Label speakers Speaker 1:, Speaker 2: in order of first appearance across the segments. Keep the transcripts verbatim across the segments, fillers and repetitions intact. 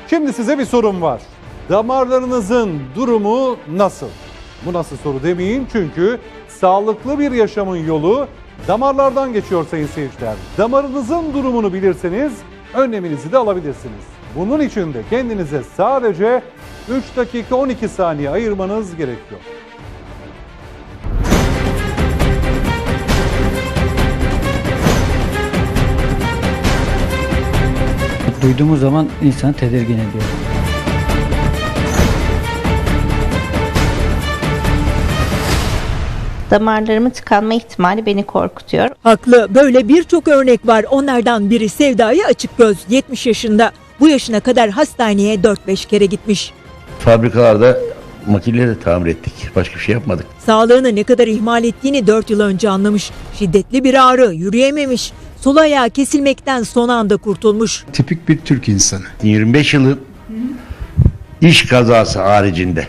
Speaker 1: Şimdi size bir sorum var. Damarlarınızın durumu nasıl? Bu nasıl soru demeyin çünkü sağlıklı bir yaşamın yolu damarlardan geçiyor sayın seyirciler. Damarınızın durumunu bilirseniz önleminizi de alabilirsiniz. Bunun için de kendinize sadece üç dakika on iki saniye ayırmanız gerekiyor.
Speaker 2: Duyduğumuz zaman insanı tedirgin ediyor.
Speaker 3: Damarlarımın tıkanma ihtimali beni korkutuyor.
Speaker 4: Haklı. Böyle birçok örnek var. Onlardan biri Sevda'yı Açıkgöz. yetmiş yaşında. Bu yaşına kadar hastaneye dört beş kere gitmiş.
Speaker 5: Fabrikalarda makineleri tamir ettik. Başka bir şey yapmadık.
Speaker 4: Sağlığını ne kadar ihmal ettiğini dört yıl önce anlamış. Şiddetli bir ağrı, yürüyememiş. Sol ayağı kesilmekten son anda kurtulmuş.
Speaker 6: Tipik bir Türk insanı.
Speaker 5: yirmi beş yılın iş kazası haricinde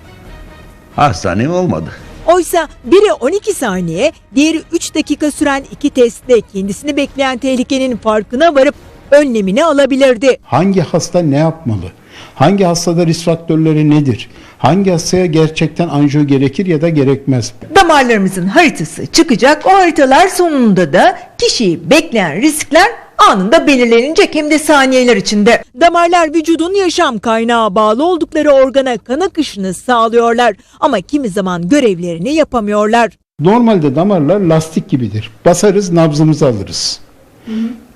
Speaker 5: hastanem olmadı.
Speaker 4: Oysa biri on iki saniye, diğeri üç dakika süren iki testle kendisini bekleyen tehlikenin farkına varıp önlemini alabilirdi.
Speaker 6: Hangi hasta ne yapmalı? Hangi hastada risk faktörleri nedir? Hangi hastaya gerçekten anjiyo gerekir ya da gerekmez?
Speaker 7: Damarlarımızın haritası çıkacak. O haritalar sonunda da kişiyi bekleyen riskler anında belirlenecek, hem de saniyeler içinde.
Speaker 4: Damarlar vücudun yaşam kaynağı, bağlı oldukları organa kan akışını sağlıyorlar ama kimi zaman görevlerini yapamıyorlar.
Speaker 6: Normalde damarlar lastik gibidir. Basarız, nabzımızı alırız. Hı hı.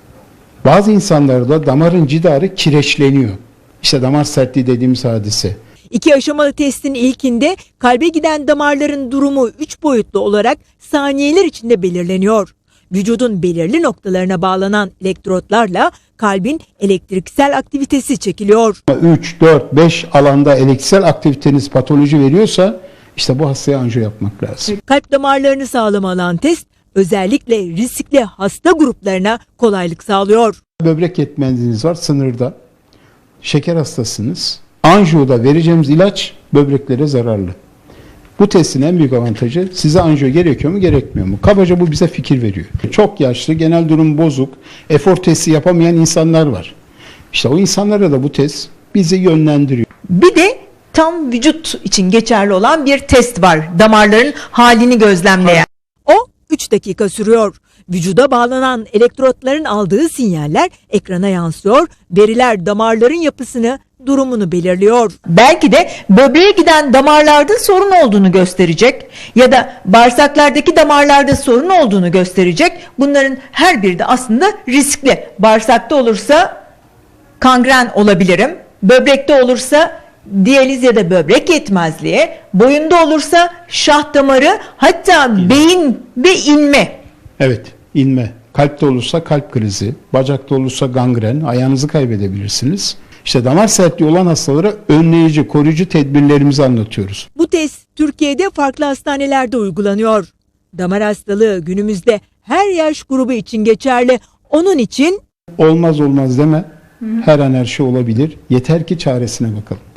Speaker 6: Bazı insanlarda damarın cidarı kireçleniyor. İşte damar sertliği dediğimiz hadise.
Speaker 4: İki aşamalı testin ilkinde kalbe giden damarların durumu üç boyutlu olarak saniyeler içinde belirleniyor. Vücudun belirli noktalarına bağlanan elektrotlarla kalbin elektriksel aktivitesi çekiliyor.
Speaker 6: üç, dört, beş alanda elektriksel aktiviteniz patoloji veriyorsa işte bu hastaya anjiyo yapmak lazım.
Speaker 4: Kalp damarlarını sağlam alan test özellikle riskli hasta gruplarına kolaylık sağlıyor.
Speaker 6: Böbrek yetmezliğiniz var sınırda. Şeker hastasınız. Anjiyoda vereceğimiz ilaç böbreklere zararlı. Bu testin en büyük avantajı size anjiyo gerekiyor mu gerekmiyor mu? Kabaca bu bize fikir veriyor. Çok yaşlı, genel durum bozuk, efor testi yapamayan insanlar var. İşte o insanlara da bu test bizi yönlendiriyor.
Speaker 7: Bir de tam vücut için geçerli olan bir test var. Damarların halini gözlemleyen.
Speaker 4: O üç dakika sürüyor. Vücuda bağlanan elektrotların aldığı sinyaller ekrana yansıyor. Veriler damarların yapısını, durumunu belirliyor.
Speaker 7: Belki de böbreğe giden damarlarda sorun olduğunu gösterecek ya da bağırsaklardaki damarlarda sorun olduğunu gösterecek. Bunların her biri de aslında riskli. Bağırsakta olursa kangren olabilirim. Böbrekte olursa diyaliz ya da böbrek yetmezliği. Boyunda olursa şah damarı, hatta beyin ve inme.
Speaker 6: Evet, inme. Kalpte olursa kalp krizi, bacakta olursa gangren, ayağınızı kaybedebilirsiniz. İşte damar sertliği olan hastalara önleyici, koruyucu tedbirlerimizi anlatıyoruz.
Speaker 4: Bu test Türkiye'de farklı hastanelerde uygulanıyor. Damar hastalığı günümüzde her yaş grubu için geçerli. Onun için
Speaker 6: olmaz olmaz deme, her an her şey olabilir. Yeter ki çaresine bakalım.